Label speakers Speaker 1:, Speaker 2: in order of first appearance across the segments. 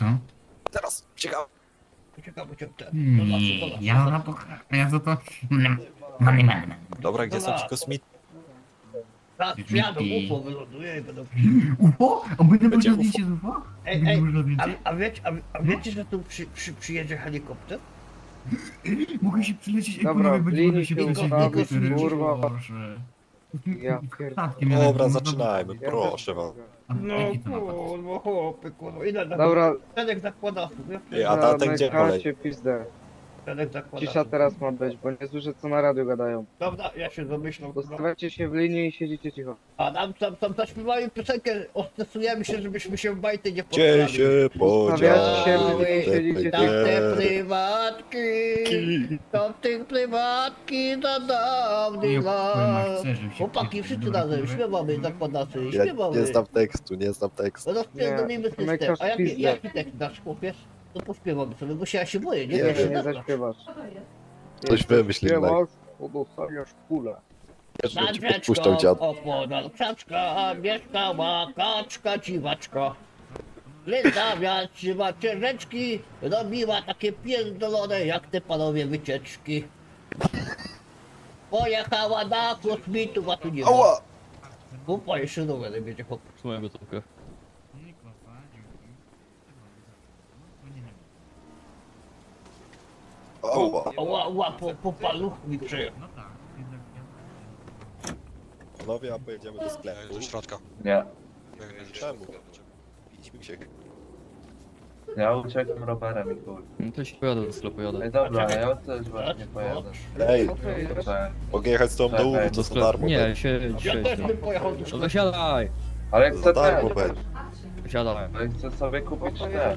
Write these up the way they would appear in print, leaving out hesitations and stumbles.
Speaker 1: Co?
Speaker 2: Teraz, ciekawe.
Speaker 1: Nie, ja za to... Money.
Speaker 2: Dobra, gdzie są ci kosmici?
Speaker 3: Tak, przyjadą, UFO wyląduje i będą...
Speaker 1: UFO? A będzie
Speaker 2: Będzie
Speaker 1: można
Speaker 2: UFO.
Speaker 1: zdjęcie z UFO?
Speaker 3: Ej,
Speaker 1: Będzie
Speaker 3: ej,
Speaker 1: można
Speaker 3: a,
Speaker 1: zdjęcie?
Speaker 3: a wiecie, że tu przyjedzie helikopter?
Speaker 1: Mogę się przylecieć, ej,
Speaker 4: Dobra,
Speaker 1: panowie, będzie można się
Speaker 4: linijkę
Speaker 1: przylecieć
Speaker 3: ustawić,
Speaker 1: do helikopterem.
Speaker 4: kurwa.
Speaker 1: Boże.
Speaker 4: Ja pierdolę.
Speaker 1: Statkiem jadę,
Speaker 2: Dobra,
Speaker 1: można-
Speaker 2: zaczynajmy,
Speaker 4: Ja
Speaker 2: proszę was.
Speaker 1: A
Speaker 3: No
Speaker 1: jaki to napad?
Speaker 3: kurwa, chłopy, kurwa, ile na...
Speaker 4: Dobra,
Speaker 3: Tadek zakłada,
Speaker 2: Ej, a tatek gdzie poleci?
Speaker 4: Zamykacie pizdę.
Speaker 3: Tadek zakłada.
Speaker 4: Cisza teraz ma być, bo nie słyszę co na radiu gadają.
Speaker 3: Dobra, ja się zamyślam, kurwa.
Speaker 4: Dostawajcie się w linii i siedzicie cicho.
Speaker 3: A tam zaśpiewali piosenkę, ostresujemy się, żebyśmy się w bajty nie
Speaker 2: Gdzie
Speaker 3: poddali.
Speaker 2: się
Speaker 4: Ustawiacie się
Speaker 2: podziały
Speaker 4: w linii i siedzicie
Speaker 3: Tam
Speaker 4: cicho.
Speaker 3: te prywatki, to w tych prywatki za dawnych lat. Chłopaki, wszyscy razem, śpiewamy, zakładacy,
Speaker 2: Ja
Speaker 3: śpiewamy.
Speaker 2: nie znam tekstu, nie znam tekstu.
Speaker 3: Rozpierdolimy system.
Speaker 4: zamykasz
Speaker 3: A jaki,
Speaker 4: pizdę.
Speaker 3: jaki tekst dasz, chłopiec? To pośpiewamy sobie, bo się ja się boję, nie?
Speaker 2: Nie
Speaker 3: Ja
Speaker 2: wiem.
Speaker 3: się
Speaker 4: Nie
Speaker 3: zaznasz.
Speaker 4: zaśpiewasz.
Speaker 2: Coś wymyśl innego.
Speaker 4: Śpiewasz, to dostaniesz kulę.
Speaker 2: Wiesz, że
Speaker 3: Nad
Speaker 2: ci
Speaker 3: rzeczką
Speaker 2: podpuszczał dziad.
Speaker 3: opodal krzaczka mieszkała kaczka dziwaczka. Linda wiatrzywa ciężeczki, robiła takie pierdolone jak te panowie wycieczki. Pojechała na kosmitów, a tu nie ma.
Speaker 2: Ała!
Speaker 3: Kupa jeszcze rowery będzie chłop.
Speaker 5: Trzymaj gotówkę.
Speaker 2: Ała!
Speaker 3: Ła, po paluch mi przejechał.
Speaker 1: No tak,
Speaker 2: Panowie, a pojedziemy do sklepu.
Speaker 6: Do środka.
Speaker 7: Nie,
Speaker 2: Czemu? Idźmy się.
Speaker 7: ja uciekam rowerem i chuj.
Speaker 5: No to się pojadę do sklepu, jadę.
Speaker 7: Ej dobra, ja też właśnie pojadę.
Speaker 2: Ej,
Speaker 7: Czekaj.
Speaker 2: mogę jechać z tobą do Łubu, to za darmo.
Speaker 5: Nie,
Speaker 2: będzie.
Speaker 5: siedź.
Speaker 3: Ja też bym pojechał do
Speaker 5: No
Speaker 3: szkoły.
Speaker 5: wysiadaj!
Speaker 7: Ale
Speaker 2: Za
Speaker 7: chcę
Speaker 2: darmo
Speaker 7: też,
Speaker 2: będzie.
Speaker 5: Wysiadaj.
Speaker 7: ale chcę sobie kupić też.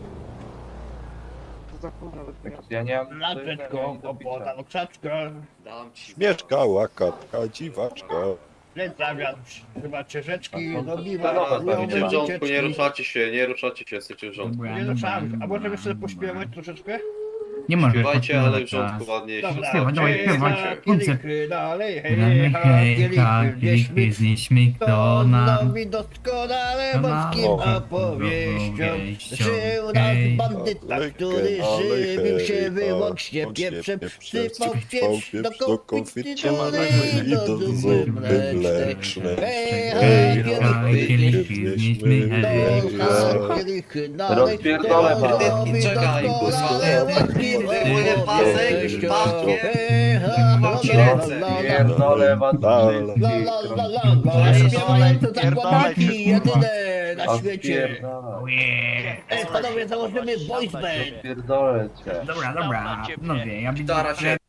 Speaker 4: To za kurwa wypijam.
Speaker 7: Ja nie mam
Speaker 3: Nad
Speaker 7: nic
Speaker 3: rzeczką
Speaker 7: do picia.
Speaker 3: opodal krzaczka.
Speaker 2: Śmieszkała katka, dziwaczka.
Speaker 3: Linda wiatrzywa ciężeczki,
Speaker 7: A to-
Speaker 3: robiła
Speaker 7: to nowe
Speaker 3: rowery
Speaker 7: pewnie.
Speaker 8: Jesteście w rządku, nie
Speaker 3: wycieczki.
Speaker 8: ruszacie się, jesteście w rządku.
Speaker 3: Nie ruszamy, a możemy sobie pośpiewać troszeczkę?
Speaker 1: Nie możesz
Speaker 8: Śpiewajcie, ale w
Speaker 1: podpływać
Speaker 8: rządku
Speaker 1: teraz.
Speaker 8: ładnie.
Speaker 3: Dobra,
Speaker 1: Śpiewaj, dawaj,
Speaker 3: hej,
Speaker 1: śpiewaj,
Speaker 3: ha,
Speaker 1: koncert.
Speaker 3: kielichy, dalej, hej,
Speaker 1: Hej,
Speaker 3: ha,
Speaker 1: hej,
Speaker 3: kielichy,
Speaker 1: kielichy,
Speaker 3: wnieśmy
Speaker 1: znieśmy
Speaker 3: to
Speaker 1: kto nam
Speaker 3: nowi doskonale borskim
Speaker 2: O.
Speaker 3: opowieścią.
Speaker 1: Opowieścią.
Speaker 3: Żył nas
Speaker 1: Hej,
Speaker 3: bandyta, który żywił się wyłącznie pieprzem, sypał w pierś do konfitury i do zupy mlecznej. Hej,
Speaker 2: Hej,
Speaker 3: ha,
Speaker 2: ha,
Speaker 3: kielichy,
Speaker 1: znieśmy
Speaker 3: do ha, kielichy, dalej,
Speaker 7: Rozpierdolę was.
Speaker 3: nowi
Speaker 8: Czekaj,
Speaker 3: doskonale borskim
Speaker 8: Wyjmuję pasek,
Speaker 3: opowieścią.
Speaker 8: paskiem.
Speaker 3: Hej, ha,
Speaker 8: Mam ci
Speaker 3: la, la,
Speaker 8: ręce.
Speaker 3: la, la,
Speaker 7: Pierdolę was
Speaker 2: La, la, la.
Speaker 3: La
Speaker 7: wszystkich.
Speaker 3: la la la la, śpiewające zakładaki, jedyne na
Speaker 7: A
Speaker 3: świecie.
Speaker 7: spierdolę.
Speaker 3: Ej, panowie, założymy voice band.
Speaker 7: Pierdolę cię.
Speaker 1: Dobra, panowie, ja widzę,
Speaker 8: Gitara
Speaker 1: że
Speaker 8: się.